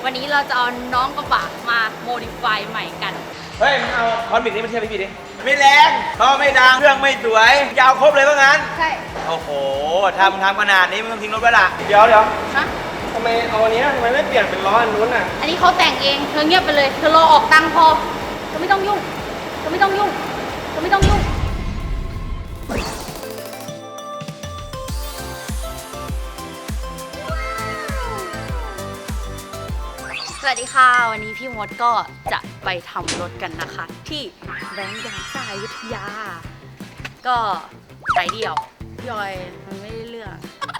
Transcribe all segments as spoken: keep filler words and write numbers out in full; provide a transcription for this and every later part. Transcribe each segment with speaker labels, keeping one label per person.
Speaker 1: วันนี้เราจะเอาน้องกระบะมาโมดิฟายใหม่กัน
Speaker 2: เฮ้ยมึงเอาคอนบิกนี้มาเทียบพี่พี่ดิไม่แรงท่อไม่ดังเครื่องไม่สวยยาวครบเลยว่างั้น
Speaker 1: ใช่
Speaker 2: โอ้โหทำทำขนาดนี้มึงต้องทิ้งรถไว้ละเดี๋ยวเดี๋ยว
Speaker 1: ฮะ
Speaker 3: ทำไมเอาอันนี้ทำไมไม่เปลี่ยนเป็นล้ออันนู้นอ่ะ
Speaker 1: อันนี้เขาแต่งเองเธอเงียบไปเลยเธอรอออกตังค์พอเธอไม่ต้องยุ่งเธอไม่ต้องยุ่งเธอไม่ต้องยุ่งสวัสดีค่ะวันนี้พี่มดก็จะไปทำรถกันนะคะที่แบงค์ยางซ่าอยุธยาก็สายเดี่ยวพี่ออยมันไม่ได้เรื่อง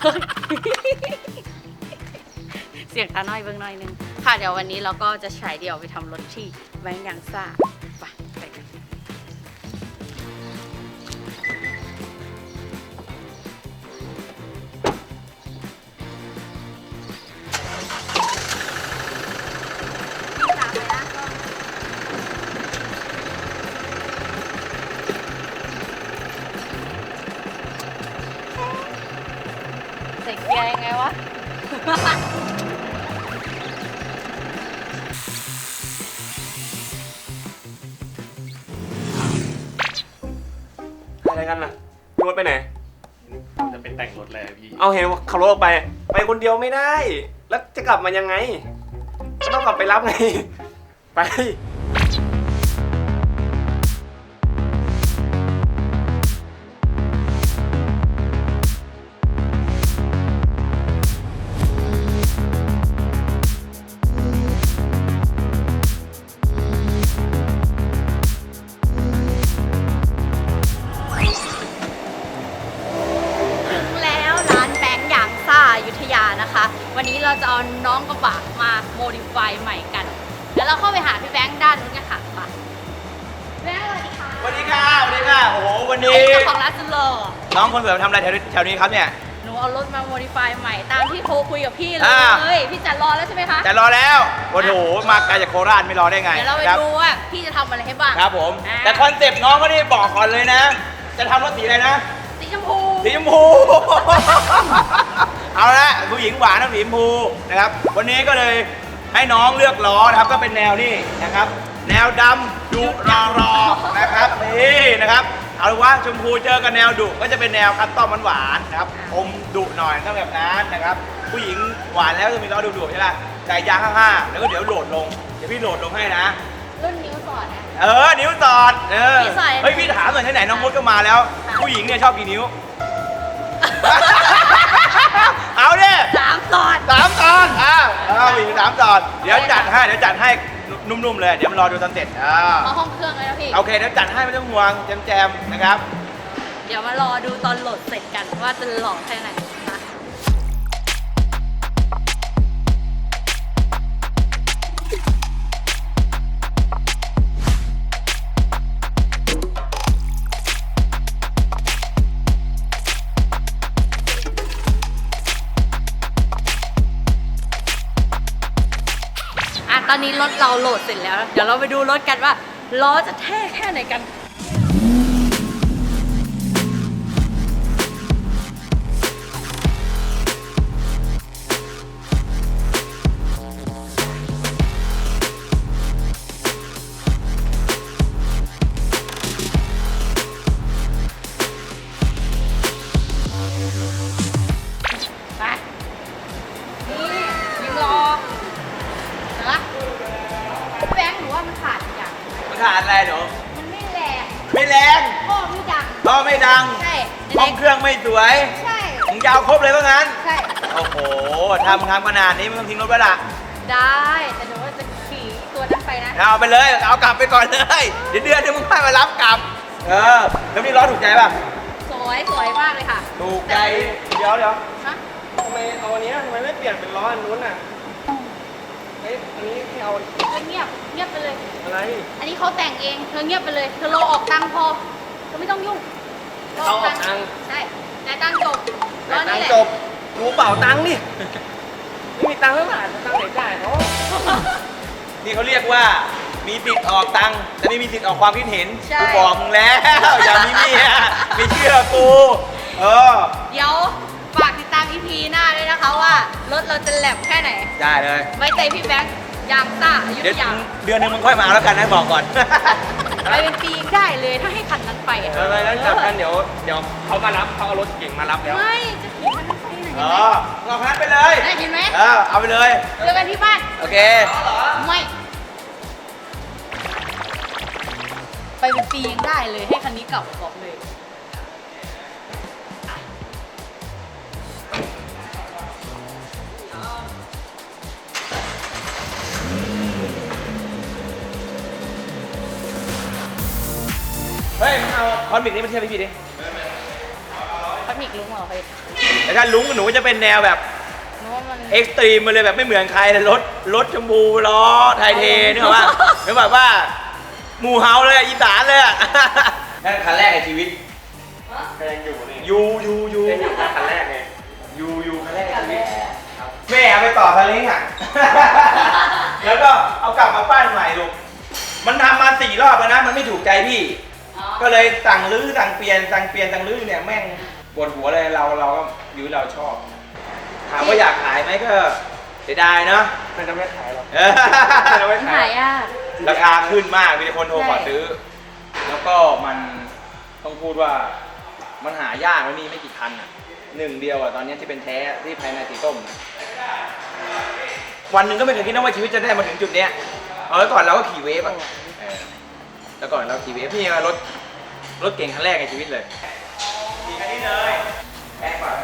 Speaker 1: เสียงตาน้อยเบิ้งน้อยนึงค่ะเดี๋ยววันนี้เราก็จะฉายเดี่ยวไปทำรถที่แบงค์ยางซ่าไปไปกันใส่เกียร์ยังไงวะ
Speaker 3: อะไรกันน่ะพี่มดไปไหน
Speaker 4: จะเป็นแต่งรถเลยพี่
Speaker 3: เอาเห็นว่าขับรถออกไปไปคนเดียวไม่ได้แล้วจะกลับมายังไงต้องกลับไปรับไงไป
Speaker 1: อยุธยานะคะวันนี้เราจะเอาน้องกระบะมาโมดิฟายใหม่กันแล้วเราเข้าไปหาพี่แบงค์ด้านนู้นกันค่ะไปแบงค์สวัสดีค่ะ
Speaker 2: สวัสดีค่ะสวัสดีค่ะโอ้โหวันนี้
Speaker 1: เจ้าของร้านสุดหล่อ
Speaker 2: น้องคนสวยทำอะไรแถวแถวนี้ครับเนี่ย
Speaker 1: หนูเอารถมาโมดิฟายใหม่ตามที่โทรคุยกับพี่เลยพี่จัดรอแล้วใช่ไหมคะ
Speaker 2: จะรอแล้วโอ้โหมาไกลจากโคราชไม่รอได้ไง
Speaker 1: เดี๋ยวเราไปดูว่าพี่จะทำอะไรให้บ้าง
Speaker 2: ครับผมแต่คอนเซ็ปต์น้องก็ได้บอกก่อนเลยนะจะทำรถสีอะไรนะ
Speaker 1: สีชมพู
Speaker 2: สีชมพูเอาละผู้หญิงหวานนะสีชมพูนะครับวันนี้ก็เลยให้น้องเลือกล้อนะครับก็เป็นแนวนี่นะครับแนวดำดุรอรอนะครับนี่นะครับเอาว่าชมพูเจอกับแนวดุก็จะเป็นแนวคัสตอมหวานๆนะครับอมดุหน่อยก็แบบนั้นนะครับผู้หญิงหวานแล้วจะมีล้อดุๆใช่ไหมใส่ยางห้าๆแล้วก็เดี๋ยวโหลดลงเดี๋ยวพี่โหลดลงให้นะ
Speaker 1: รุ่นนิ้วสอดนะ
Speaker 2: เออนิ้วสอดเออเฮ้ยพี่ถามหน่อยที่ไหนน้องมดก็มาแล้วผู้หญิงเนี่ยชอบกี่นิ้วเอาเนี่ย
Speaker 1: สามตอน
Speaker 2: สามตอนอ้าวอ้าวอีกสามตอนเดี๋ยวจัดให้เดี๋ยวจัดให้นุ่มๆเลยเดี๋ยวมารอดูตอนเสร็จอ่า
Speaker 1: มาห้องเครื่องเลยนะพี่
Speaker 2: โอเคเดี๋ยวจัดให้ไม่ต้องห่วงแจมๆนะครับ
Speaker 1: เดี๋ยวมารอดูตอนโหลดเสร็จกันว่าจะหล่อแค่ไหนนะตอนนี้รถเราโหลดเสร็จแล้วเดี๋ยวเราไปดูรถกันว่าล้อจะเท่แค่ไหนกันไปนี่ยิงรอแบงค์หนูว่ามันขาดอย่าง
Speaker 2: มันขาดอะไรหนู
Speaker 1: มันไม่แรง
Speaker 2: ไม่แรง
Speaker 1: ท่อไม่ดัง
Speaker 2: ท่อไม่ดัง
Speaker 1: ใช่
Speaker 2: ห้องเครื่องไม่สวย
Speaker 1: ใช่
Speaker 2: มึงยาวครบเลยว่างั้น
Speaker 1: ใช่
Speaker 2: โอ้โหทำทำขนาดนี้มึงต้องทิ้งรถไว้ละ
Speaker 1: ได้แต่หนูว่าจะขี่ตัวนั้นไปนะ
Speaker 2: เอาไปเลยเอากลับไปก่อนเลยเดี๋ยวเดือนเดี๋ยวมึงค่อยมารับกลับเออแล้วนี่ล้อถูกใจป่ะ
Speaker 1: สวยสวยมากเลยค่ะ
Speaker 2: ถูกใจเดี๋ยวเดี๋ยว
Speaker 3: ฮะทำไมเอาอันนี้ทำไมไม่เปลี่ยนเป็นล้ออันนู้นอ่ะเอ้ยอันนี้ที่เอา
Speaker 1: เงียบเงียบไปเลย
Speaker 3: อะไร
Speaker 1: อันนี้เขาแต่งเองเธอเงียบไปเลยเธอรอออกตังค์พอเธอไม่ต้องยุ่ง
Speaker 3: เอาออกตังค์
Speaker 1: ใช่จ่ายตังค์จบ
Speaker 3: จ่ายตังค์จบรู้เปล่าตังค์นี่ไม่มีตังค์เท่าไหร่ตังค์ไหนจ่ายเขา
Speaker 2: นี่เขาเรียกว่า มีสิทธิ์ออกตังค์แต่ไม่มีสิทธิ์ออกความคิดเห็น
Speaker 1: ใช่
Speaker 2: กูบอกมึงแล้วอย่ามีเมียไม่เชื่อกูเออ
Speaker 1: เดี๋ยวฝากติดตามอี พี หน้าด้วยนะคะว่ารถเราจะแหลมแค่ไหน
Speaker 2: ได้เลย
Speaker 1: ไว้ใจพี่แบงค์ยางซ่าอยุ
Speaker 2: เดี๋
Speaker 1: ธ
Speaker 2: ยวย
Speaker 1: า
Speaker 2: เดือนหนึงมึงค่อยมาเอาแล้วกันนะบอกก่อน
Speaker 1: ไปเป็นปีได้เลยถ้าให้คันนั้นไปอะ
Speaker 3: เออแล้วจากนั้นเดี๋ยวเดี๋ยวเขามารับเขาเอารถเก่งมารับแล้ว
Speaker 1: ไม่จะขี่คันนั้นไปไหน
Speaker 2: เออมึงเอาคันนั้นไปเลย
Speaker 1: ได้เห็นไหม
Speaker 2: เออเอาไปเลย
Speaker 1: เจอกันที่บ้าน
Speaker 2: โอเค
Speaker 1: ไม่ ไปเป็นปียังได้เลยให้คันนี้กลับบอกเลย
Speaker 2: เฮ้ยมึงเอาคอนบิกนี้มาเทียบพี่พี่ดิ
Speaker 1: พัดมิกลุงเหรอไป
Speaker 2: แต่ถ้าลุงกับหนูจะเป็นแนวแบบ
Speaker 1: นึกว่ามัน
Speaker 2: เอ็กซ์ตรีมมาเลยแบบไม่เหมือนใครเลยรถรถชมพูล้อไทยเทนึกออกปะนึกแบบว่าหมู่เฮาเลยอีสานเลยอ่ะ นั่นคันแรกในชีวิต
Speaker 3: ก็ยังอยู่นี่
Speaker 2: ยูยูยู
Speaker 3: ยังอยู่คันแรกไง
Speaker 2: ยูยูคันแรกในชีวิตแม่เอาไปต่อทะเลอ่ะ แล้วก็เอากลับมาปั้นใหม่ลูกมันทำมาสี่รอบแล้วนะมันไม่ถูกใจพี่ ก็เลยสั่งรื้อสั่งเปลี่ยนสั่งเปลี่ยนสั่งรื้อเนี่ยแม่งปวดหัวเลยเราเราก็อยู่เราชอบ ถามว่าอยากขายไหมก็เสียดายเนาะ
Speaker 3: มันจะไม่ขายหรอก
Speaker 2: เออ
Speaker 3: มันจะไม่
Speaker 1: มัน
Speaker 3: ขา
Speaker 1: หาย ยอ่ะ
Speaker 2: ราคาขึ้นมากมีแต่คนโทรขอ
Speaker 1: ใช่
Speaker 2: ซื้อ แล้วก็มันต้องพูดว่ามันหายากแล้วมีไม่กี่คันอ่ะหนึ่งเดียวอ่ะตอนนี้ที่เป็นแท้ที่ภายในสีส้มนะวันหนึ่งก็ไม่เคยคิดนะว่าชีวิตจะได้มาถึงจุดเนี้ยเอาไว้ก่อนเราก็ขี่เวฟอ่ะเออแล้วก่อนเราขี่เวฟนี่รถรถเก่งคันแรกในชีวิตเลยขี่คันนี้เลยแพงกว่า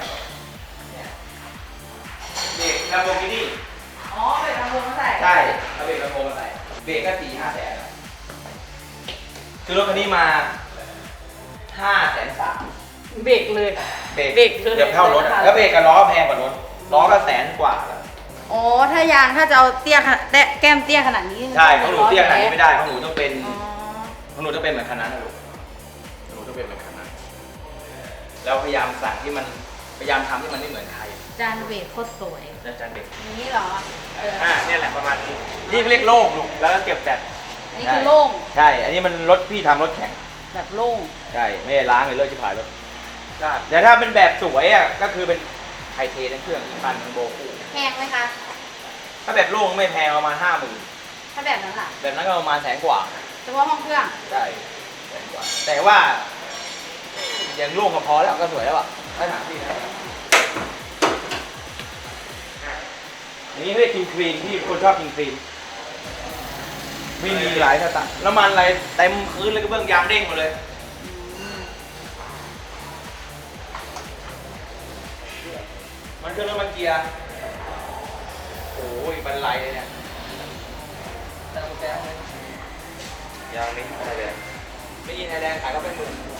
Speaker 2: เบรกลำโพงนี่
Speaker 1: อ๋อเป็นลำโพงมาใส่
Speaker 2: ใช่เอาเบรกลำโพงมาใส่เบรกก็สี่ห้าแสนคือรถคันนี้มาห้าแสนสาม
Speaker 1: เบรกเลย
Speaker 2: เบรก
Speaker 1: เบรกเลย
Speaker 2: เกือบเท่ารถอะแล้วเบรกกับล้อแพงกว่ารถล้อก็แสนกว่าแล้ว
Speaker 1: อ๋อถ้ายางถ้าจะเอาเตี้ยขนาดแต่แก้มเตี้ยขนาดนี้
Speaker 2: ใช่ของหนูเตี้ยขนาดนี้ไม่ได้ของหนูต้องเป็น
Speaker 1: อ๋อ
Speaker 2: ของหนูต้องเป็นเหมือนคันนั้นนะลูกหนูต้องเป็นเหมือนคันนั้นแล้วพยายามสั่งที่มันพยายามทำที่มันไม่เหมือนใคร
Speaker 1: จานเบรกโคตรสวย
Speaker 2: อาจารย์เด็ก
Speaker 1: นี้เหรอเออ
Speaker 3: อ่าเนี่ยแหละประมาณนี้
Speaker 2: นี่เรียกโล่งลูก
Speaker 3: แล้วก็เก็บแบต
Speaker 1: อันนี้คือโล่ง
Speaker 2: ใช่ อันนี้มันรถพี่ทำรถแข่ง
Speaker 1: แบบโล่ง
Speaker 2: ใช่ไม่ได้ล้างเลยเลิกชิบหายรถ
Speaker 3: ได้
Speaker 2: แต่ถ้าเป็นแบบสวยอ่ะก็คือเป็นไทเททั้งเครื่องอีกคันทั้งโบคู่
Speaker 1: แพงไหมคะ
Speaker 2: ถ้าแบบโล่งไม่แพงประมาณห้าหมื่น
Speaker 1: ถ้าแบบนั้นล่ะ
Speaker 2: แบบนั้นก็ประมาณแสนกว่า
Speaker 1: เฉพาะห้องเครื่อง
Speaker 2: ใช่แสนกว่า แต่ว่าอย่างโล่งก็พอแล้วก็สวยแล้วอ่ะถ้าถามพี่นะอันนี้เรียกคิงคลีนที่คนชอบคิงคลีนไม่มีหลายสไตล์น้ำมันอะไรเต็มพื้นเลยก็เบื้องยางเด้งหมดเลย มันเครื่องน้ำมันเกียร์โอ้ยบันไลเลยเนี่ยแต่กุญแจเลย
Speaker 3: ยางนี้อะไรเลย
Speaker 2: ไม่ยินไทยแลนด์ขายก็เป็นหมื่น